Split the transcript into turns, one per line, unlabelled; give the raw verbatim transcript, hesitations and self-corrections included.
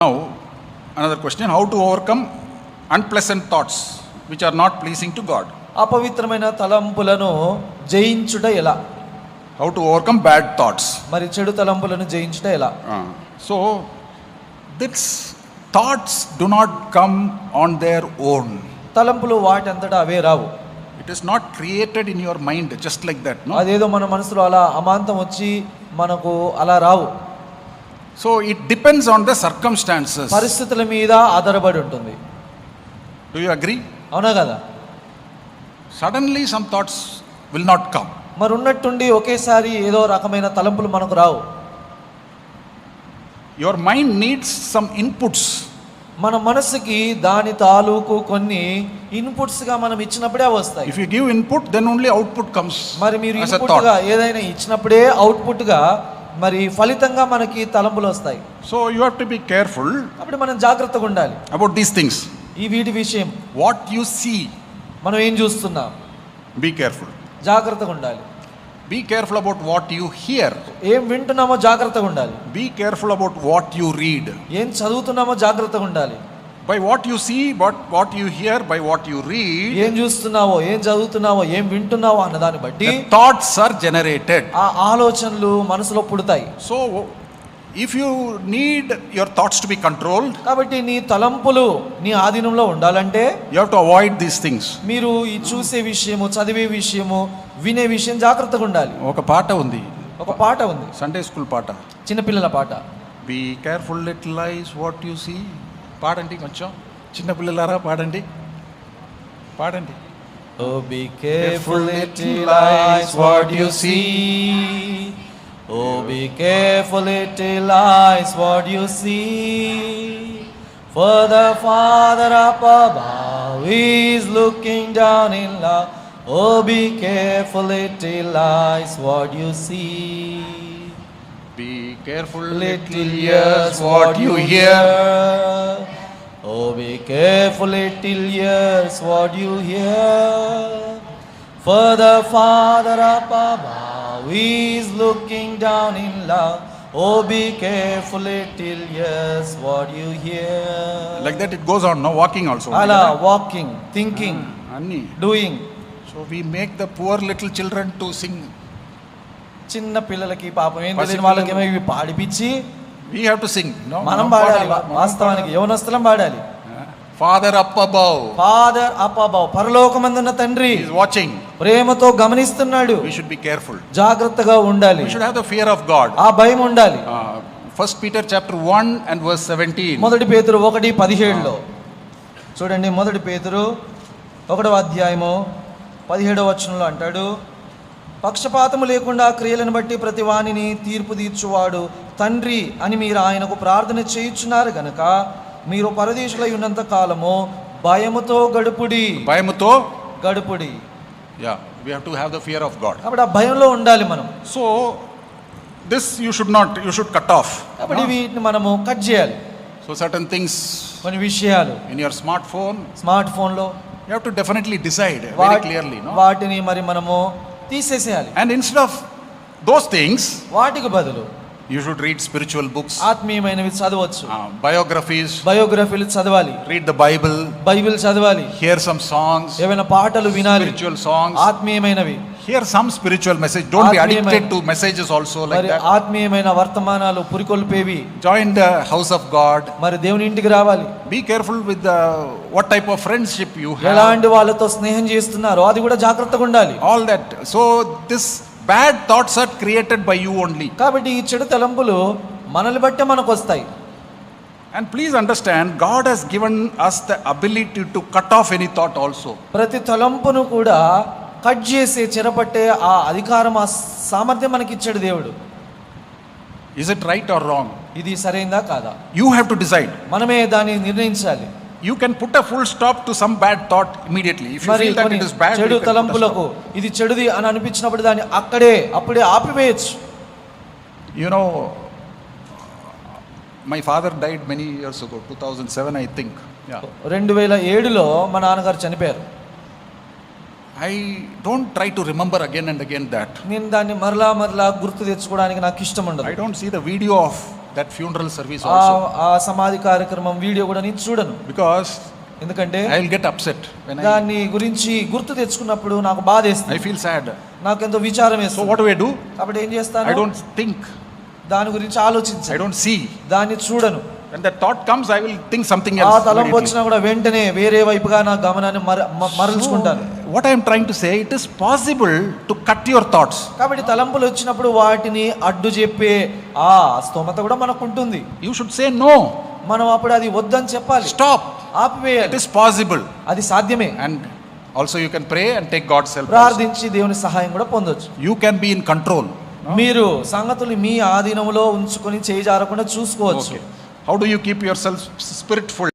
Now, another question: how to overcome unpleasant thoughts which are not pleasing to God?
అపవిత్రమైన తలంపులను జయించుట ఎలా?
How to overcome bad thoughts?
మరి చెడు తలంపులను జయించుట ఎలా?
Uh, so, these thoughts do not come on their own.
తలంపులు వాటంతటా అవే రావు.
It is not created in your mind just like that, no?
అదేదో మన మనసులో అలా అమాంతం వచ్చి మనకు అలా రావు.
So, it depends on the circumstances.
పరిస్థితుల మీద ఆధారపడి ఉంటుంది.
Do you agree?
అవునా కదా?
Suddenly some thoughts will not come.
మరి ఉన్నట్టుండి ఒకేసారి ఏదో రకమైన తలంపులు మనకు రావు.
Your mind needs some inputs.
మన మనసుకి దాని తాలూకు కొన్ని ఇన్పుట్స్ గా మనం ఇచ్చినప్పుడే వస్తాయి.
If you give input, then only output comes.
మరి మీరు
as a
ఇన్పుట్
thought.
గా ఏదైనా ఇచ్చినప్పుడే అవుట్పుట్ గా మరి ఫలితంగా మనకి తలంపులు వస్తాయి.
So you have to be careful
అప్పుడు మనం జాగ్రత్తగా ఉండాలి
about these things.
ఈ వీటి విషయం.
What you see,
మనం ఏం చూస్తున్నాం,
be careful.
జాగ్రత్తగా ఉండాలి.
Be careful about what you hear.
ఏం వింటున్నామో జాగ్రత్తగా ఉండాలి.
Be careful about what you read.
ఏం చదువుతున్నామో జాగ్రత్తగా ఉండాలి.
By what you see, but what you hear, by what you read,
ఏం చూస్తున్నావో, ఏం చదువుతున్నావో, ఏం వింటున్నావో అన్న దాన్ని బట్టి
the thoughts are generated.
ఆ ఆలోచనలు మనసులో పుడతాయి.
So if you need your thoughts to be controlled,
కాబట్టి నీ తలంపులు నీ ఆధీనంలో ఉండాలంటే
you have to avoid these things.
మీరు ఈ చూసే విషయము, చదివే విషయము, వినే విషయం జాగ్రత్తగా ఉండాలి.
ఒక పాట ఉంది,
ఒక పాట ఉంది,
సండే స్కూల్ పాట.
చిన్నపిల్లల పాట.
Be careful little eyes what you see. పాడండి కొంచెం, చిన్నపిల్లలారా పాడండి, పాడండి.
Oh, be careful little eyes what you see. Oh, be careful little eyes what you see. For the Father up above is looking down in love. Oh, be careful little eyes what you see.
Be careful
Little ears what you hear. Oh, be careful little ears what you hear. For the Father up above is looking down in love. Oh, be careful little ears what you hear.
Like that it goes on, no? Walking also.
Ala walking, thinking,
Anni.
doing.
So we make the poor little children to sing.
చిన్న పిల్లలకి పాపం ఏం
పసి
తెలియని వాళ్ళకేమో ఇవి పాడిపించి
We have to sing, no?
మనం
మనం
పాడాలి.
పాడాలి, మనం
వాస్తవానికి యవనస్తులం పాడాలి.
Father up above,
father up above, పరలోకమందున్న తండ్రి
he is watching.
ప్రేమతో గమనిస్తున్నాడు.
We should be careful.
జాగ్రత్తగా ఉండాలి.
We should have the fear of God.
ఆ భయం ఉండాలి.
Uh, First Peter chapter one and verse seventeen.
మొదటి పేతురు ఒకటి పదిహేడులో చూడండి. మొదటి పేతురు ఒకటవ అధ్యాయము పదిహేడవ వచనంలో అంటాడు, పక్షపాతము లేకుండా క్రియలను బట్టి ప్రతి వానిని తీర్పు తీర్చువాడు తండ్రి అని మీరు ఆయనకు ప్రార్థన చేయుచున్నారు గనక మీరు పరదేశులై ఉన్నంత కాలము భయముతో గడుపుడి.
భయముతో
గడుపుడి.
Yeah, we have to have the fear of God.
కాబట్టి ఆ భయంలో ఉండాలి మనం.
So this you should not, you should cut off.
కాబట్టి వీటిని మనము కట్ చేయాలి.
So certain things
కొన్ని విషయాలు
in your smartphone,
స్మార్ట్ ఫోన్లో
you have to definitely decide very
what-
clearly, no?
వాటిని మరి మనము తీసేసేయాలి.
And instead of those things,
వాటికి బదులు
you should read spiritual books,
ఆత్మీయమైనవి చదవచ్చు.
uh, biographies,
బయోగ్రఫీలు చదవాలి,
read the Bible,
బైబిల్ చదవాలి,
hear some songs,
ఏమైనా పాటలు వినాలి,
spiritual songs,
ఆత్మీయమైనవి.
hear some spiritual message. Don't be
ఆత్మీయమైన-
addicted to messages also like
మరి
that.
ఆత్మీయమైన వర్తమానాలు పురికొల్పేవి.
Join the house of God.
మరి దేవుని ఇంటికి రావాలి.
Be careful with the what type of friendship you have.
ఎలాంటి వాళ్ళతో స్నేహం చేస్తున్నారో అది కూడా జాగ్రత్తగా ఉండాలి.
All that. So this bad thoughts are created by you only.
కాబట్టి ఈ చెడు తలంపులు మనల్ని బట్టే మనకు వస్తాయి.
And please understand, God has given us the ability to cut off any thought also.
ప్రతి తలంపును కూడా కట్ చేసి చెరపట్టే ఆ అధికారం, ఆ సామర్థ్యం మనకి ఇచ్చాడు దేవుడు.
Is it right or wrong?
ఇది సరైందా కాదా
You have to decide.
మనమే దాన్ని నిర్ణయించాలి.
You can put a full stop to some bad thought immediately. If you
మరి
feel that
కొన్ని
it is bad,
చెడు
you can put a
తలంపులకు ఇది చెడుది అని అనిపించినప్పుడు దాన్ని అక్కడే అప్పుడే ఆపివేయచ్చు.
stop. You know, my father died many years ago, two thousand seven I think. Yeah.
రెండు వేల ఏడులో మా నాన్నగారు చనిపోయారు.
I don't try to remember again and again that.
నేను దాన్ని మరలా మరలా గుర్తు తెచ్చుకోవడానికి నాకు ఇష్టం ఉండదు.
I don't see the video of that funeral service
ఆ
also.
ఆ సమాధి కార్యక్రమం వీడియో కూడా నేను చూడను.
Because
ఎందుకంటే
I will get upset when I,
దాన్ని గురించి గుర్తు తెచ్చుకున్నప్పుడు నాకు బాధేస్తుంది,
I feel sad.
నాకెంతో విచారం
So
వేస్తుంది.
what do I do?
కాబట్టి ఏం చేస్తాను,
I don't think,
దాని గురించి
I
ఆలోచించను,
don't see.
దాన్ని చూడను.
When that thought comes, I will think something
ఆ
else.
తలంపు
immediately.
వచ్చినా కూడా వెంటనే వేరే వైపుగా నా గమనాన్ని మర- మ- మరల్చుకుంటాను.
What I am trying to say, it is possible to cut your thoughts.
కాబట్టి తలంపులు వచ్చినప్పుడు వాటిని అడ్డు చెప్పే ఆ స్తోమత కూడా మనకు ఉంటుంది.
You should say no,
మనం అప్పుడు అది వద్దని చెప్పాలి,
stop. It
ఆపివేయాలి.
is possible.
అది సాధ్యమే.
And also you can pray and take God's help. also.
ప్రార్థించి దేవుని సహాయం కూడా పొందొచ్చు.
You can be in control.
మీరు సంగతులు మీ ఆధీనంలో ఉంచుకొని చేయి జారకుండా చూసుకోవచ్చు.
Okay. How do you keep yourself spirit full?